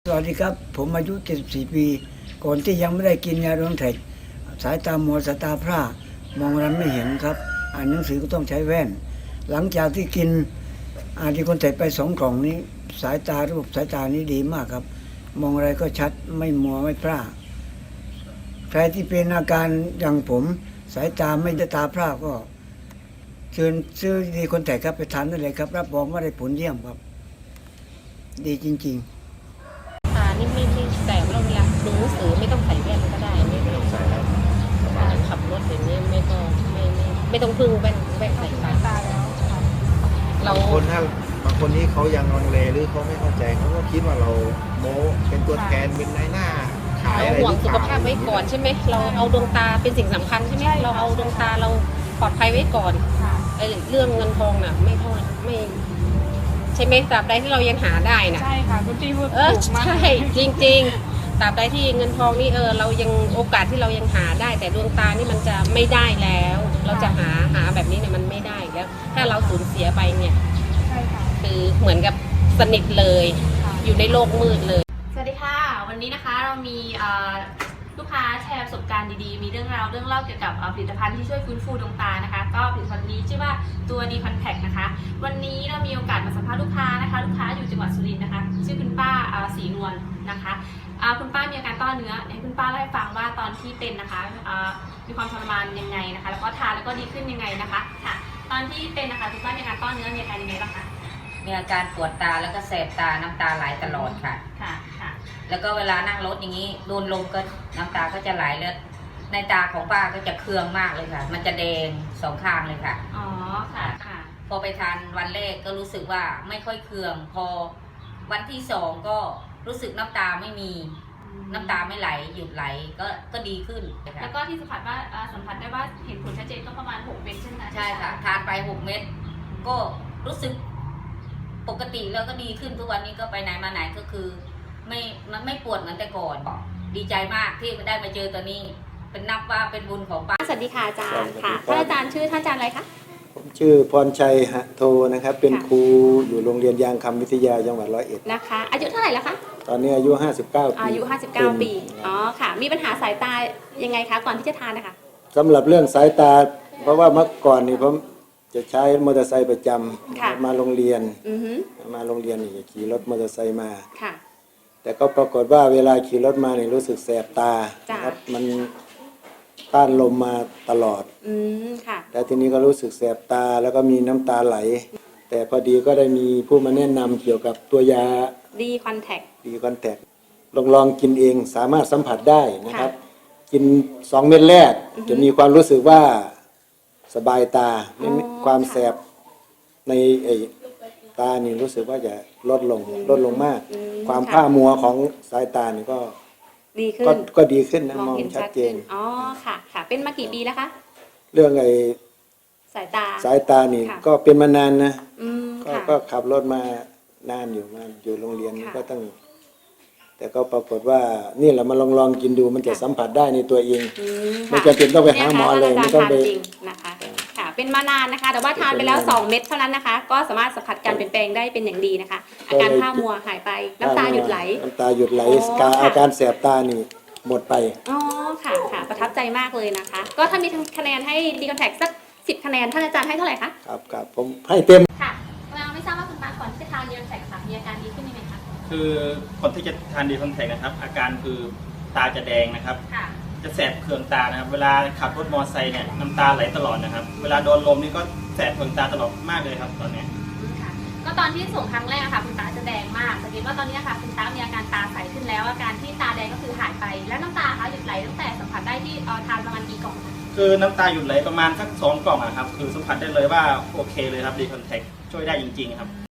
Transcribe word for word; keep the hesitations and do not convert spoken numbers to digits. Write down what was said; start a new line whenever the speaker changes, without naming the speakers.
สวัสดีครับผมอายุเจ็ดสิบสี่ปีก่อนที่ยังไม่ได้กินยาดวงแท็กสายตามัวสายตาพร่ามองอะไรไม่เห็นครับอ่านหนังสือก็ต้องใช้แว่นหลังจากที่กินอาดีคอนแทคไปสองกล่องนี้สายตาระบบสายตานี้ดีมากครับมองอะไรก็ชัดไม่มัวไม่พร่าใครที่เป็นอาการอย่างผมสายตาไม่ได้ตาพร่าก็เชิญซื้อดีคอนแทคครับไปทานได้เลยครับรับรองว่าได้ผลเยี่ยมครับดีจริงๆ
ตานี่ไม่ไม่แต่เราเวลาดูหนังสือไม่ต้องใส่แว่นก็ได้ไม่ต้องใส่แล้วขับรถอย่างนี้ไม่ต้องไม่ไม่ไม่ต้องพึ่งแว่นแว่นใส่ตาแล้วเรา
บางคนถ้าบางคนที่เขายังลังเลหรือเขาไม่เข้าใจเขาก็คิดว่าเราโม้เป็นตัวแทนเป็นนายหน้าขายอะไร
เราห่วงสุขภาพไว้ก่อนใช่ไหมเราเอาดวงตาเป็นสิ่งสำคัญใช่ไหมเราเอาดวงตาเราปลอดภัยไว้ก่อนไอ้เรื่องเงินทองน่ะไม่เท่าไม่ใช่ไหมตราบใดที่เรายังหาได้นะ
ใช่ค่ะคุณพี่พูด
เออใช่จริงๆตราบใดที่เงินทองนี่เออเรายังโอกาสที่เรายังหาได้แต่ดวงตานี่มันจะไม่ได้แล้ว เราจะหาหาแบบนี้เนี่ยมันไม่ได้แล้วถ้าเราสูญเสียไปเนี่ย
ใช่ค่ะ
คือเหมือนกับสนิทเลยอยู่ในโลกมืดเลย
สวัสดีค่ะวันนี้นะคะเรามีลูกค้าแชร์ประสบการณ์ดีๆมีเรื่องราวเรื่องเล่าเกี่ยวกับผลิตภัณฑ์ที่ช่วยฟื้นฟูดวงตานะคะก็ผลิตภัณฑ์นี้ชื่อว่าตัวดีคอนแทคนะคะวันนี้เรามีโอกาสมาสัมภาษณ์ลูกค้านะคะลูกค้าอยู่จังหวัดสุรินทร์นะคะชื่อคุณป้าศรีนวลนะคะคุณป้ามีอาการต้อเนื้อให้คุณป้าเล่าให้ฟังว่าตอนที่เป็นนะคะมีความทรมานยังไงนะคะแล้วก็ทานแล้วก็ดีขึ้นยังไงนะคะค่ะตอนที่เป็นนะคะคุณป้ามีอาการต้อเนื้อมีอาการยังไงบ้างคะ
มีอาการปวดตาแล้วก็แสบตาน้ำตาไหลตลอดค่ะ
ค่ะค่ะ
แล้วก็เวลานั่งรถอย่างนี้โดนลมก็น้ำตาก็จะไหลแล้วในตาของป้าก็จะเคืองมากเลยค่ะมันจะแดงสองข้างเลยค่ะ
อ๋อค่ะค่ะ
พอไปทานวันแรกก็รู้สึกว่าไม่ค่อยเคืองพอวันที่สองก็รู้สึกน้ำตาไม่มีน้ำตาไม่ไหลหยุดไหลก็ก็ดีขึ้น
แล้วก็ที่สัมผัสว่าสัมผัสได้ว่าเห็นผลชัดเจนก็ประมาณหกเม็ดใช่ไหม
ใช่ค่ะทานไปหกเม็ดก็รู้สึกปกติแล้วก็ดีขึ้นทุกวันนี้ก็ไปไหนมาไหนก็คือไม่มันไม่ปวดเหมือนแต่ก่อนดีใจมากที่ได้มาเจอตัวนี้เป็นนับว่าเป็นบุญของป้า
สวัสดีค่ะอาจารย์ค่ะท่านอาจารย์ชื่อท่านอาจารย์อะไรคะ
ผมชื่อพรชัยหะโทนะครับเป็นครูอยู่โรงเรียนยางคำวิทยาจังหวัดร้อยเอ็ด
นะคะอายุเท่าไหร่แล้วคะ
ตอนนี้อายุห้าสิบเก้าปี
อายุห้าสิบเก้าปีอ๋อค่ะมีปัญหาสายตายังไงคะก่อนที่จะทานนะคะ
สำหรับเรื่องสายตาเพราะว่าเมื่อก่อนนี่ผมจะใช้มอเตอร์ไซค์ประจำมาโรงเรียนมาโรงเรียนนี่ขี่รถมอเตอร์ไซค์มาแต่ก็ปรากฏว่าเวลาขี่รถมาเนี่ยรู้สึกแสบตาครับมันต้านลมมาตลอดแต่ทีนี้ก็รู้สึกแสบตาแล้วก็มีน้ำตาไหลแต่พอดีก็ได้มีผู้มาแนะนำเกี่ยวกับตัวยา
ดีคอนแทค
ดีคอนแทคลองลองกินเองสามารถสัมผัสได้นะครับกินสองเม็ดแรกจะมีความรู้สึกว่าสบายตาไม่ความแสบในไอ้ตานี่รู้สึกว่าจะลดลงลดลงมากความผ้ามัวของสายตานี่ก็
ดีขึ้น
ก็ดีขึ้นนะมองชัดเจน
อ๋อค่ะค่ะเป็นมากี่ปีแล้วคะ
เรื่องไอ้
สายตา
สายตานี่ก็เป็นมานานนะก็ขับรถมานานอยู่มาอยู่โรงเรียนก็ตั้งแต่ก็ปรากฏว่านี่แหละมาลองลองกินดูมันจะสัมผัสได้ในตัวเองไม่จำเป็นต้องไปหาหมอเลยไม่ต้องไป
นะคะค่ะเป็นมานานนะคะแต่ว่าทานไปแล้วสองเม็ดเท่านั้นนะคะก็สามารถสัมผัสการเปลี่ยนแปลงได้เป็นอย่างดีนะคะอาการผ้ามัวหายไปน้ำตาหยุดไหล
น้ำตาหยุดไหลอาการแสบตานี่หมดไป
อ๋อค่ะค่ะประทับใจมากเลยนะคะก็ถ้ามีคะแนนให้ดีคอนแทคสักสิบคะแนนท่านอาจารย์ให้เท่าไหร่คะ
ครับครับผมให้เต็ม
ค่ะเราไม่ทราบว่าคุณป้าก่อนที่จะทานดีคอนแทคค่ะมีอาการดีขึ้นไหมคะ
คือคนที่จะทานดีคอนแทคนะครับอาการคือตาจะแดงนะครับจะแสบเคืองตานะครับเวลาขับรถมอเตอร์ไซค์เนี่ยน้ำตาไหลตลอดนะครับเวลาโดนลมนี่ก็แสบเคืองตาตลอดมากเลยครับตอนนี้
ค่ะก็ตอนที่ส่งครั้งแรกค่ะคุณตาจะแดงมากสังเกตว่าตอนนี้ค่ะคุณตามีอาการตาใสขึ้นแล้วอาการที่ตาแดงก็คือหายไปแล้วน้ำตาคะหยุดไหลตั้งแต่สัมผัสได้ที่ทานประมาณกี่กล่อง
คือน้ำตาหยุดไหลประมาณสักสองกล่องนะครับคือสัมผัสได้เลยว่าโอเคเลยครับดีคอนแทคช่วยได้จริงๆครับ